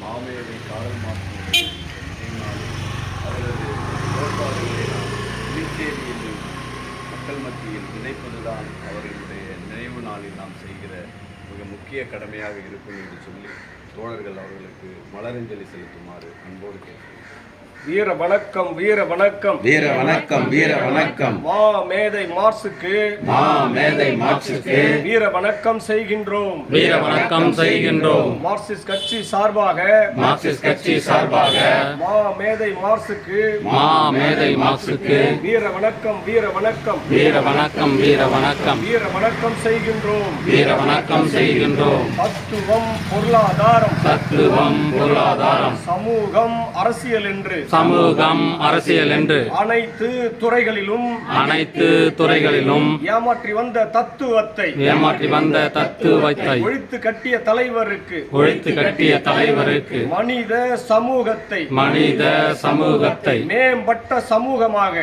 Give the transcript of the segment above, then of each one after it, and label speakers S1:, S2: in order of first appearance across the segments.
S1: மாமேதை Karl Marx அவரது கோட்பாடுகளை நாம் புதுச்சேரியில் மக்கள் மத்தியில் விதைப்பதுதான் அவர்களுடைய நினைவு நாளில் நாம் செய்கிற மிக முக்கிய கடமையாக இருக்கும் என்று சொல்லி தோழர்கள் அவர்களுக்கு மலரஞ்சலி செலுத்துமாறு அன்போடு கேட்கிறேன்.
S2: வீர வணக்கம், வீர வணக்கம்,
S3: வீர வணக்கம், வீர வணக்கம்.
S2: மேதை மார்க்சுக்கு,
S3: மேதை மார்க்சுக்கு
S2: வீர வணக்கம் செய்கின்றோம்,
S3: வீர வணக்கம் செய்கின்றோம்.
S2: மார்க்சிஸ்ட் கட்சி சார்பாக,
S3: மார்க்சிஸ்ட் கட்சி சார்பாக
S2: மேதை மார்க்சுக்கு,
S3: மேதை மார்க்சுக்கு
S2: வீர வணக்கம், வீர வணக்கம்,
S3: வீர வணக்கம், வீர வணக்கம்,
S2: வீர வணக்கம் செய்கின்றோம்,
S3: வீர வணக்கம் செய்கின்றோம்.
S2: தத்துவம், பொருளாதாரம்,
S3: தத்துவம், பொருளாதாரம்,
S2: சமூகம், அரசியல் என்று
S3: சமூகம், அரசியல் என்று
S2: அனைத்து துறைகளிலும் ஏமாற்றி வந்த தத்துவத்தை ஒழித்து கட்டிய தலைவருக்கு மனித சமூகத்தை மேம்பட்ட சமூகமாக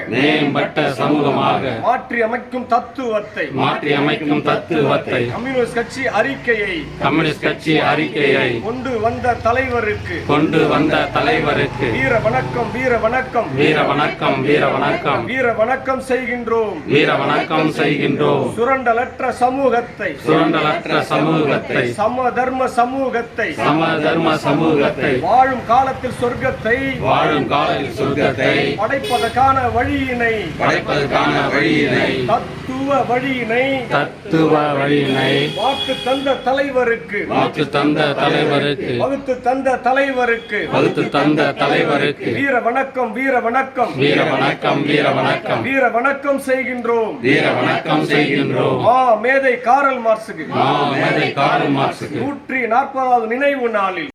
S2: மாற்றி அமைக்கும் தத்துவத்தை கம்யூனிஸ்ட் கட்சி அறிக்கையை கொண்டு வந்த தலைவருக்கு வீர வணக்கம், வீர வணக்கம்,
S3: வீர வணக்கம், வீர வணக்கம்,
S2: வீர வணக்கம் செய்கின்றோம்,
S3: வீர வணக்கம் செய்கின்றோம்.
S2: சுரண்டலற்ற சமூகத்தை சமதர்ம சமூகத்தை வாழும் காலத்தில் சொர்க்கத்தை படைப்பதற்கான வழியினை தத்துவ வழியினை வாக்கு தந்த தலைவருக்கு வகுத்து தந்த தலைவருக்கு வீர வணக்கம், வீர வணக்கம்,
S3: வீர வணக்கம், வீர வணக்கம்,
S2: வீர வணக்கம் செய்கின்றோம்,
S3: வீர வணக்கம் செய்கின்றோம்.
S2: மேதை காரல் மார்க்சுக்கு
S3: 140வது
S2: நினைவு நாளில்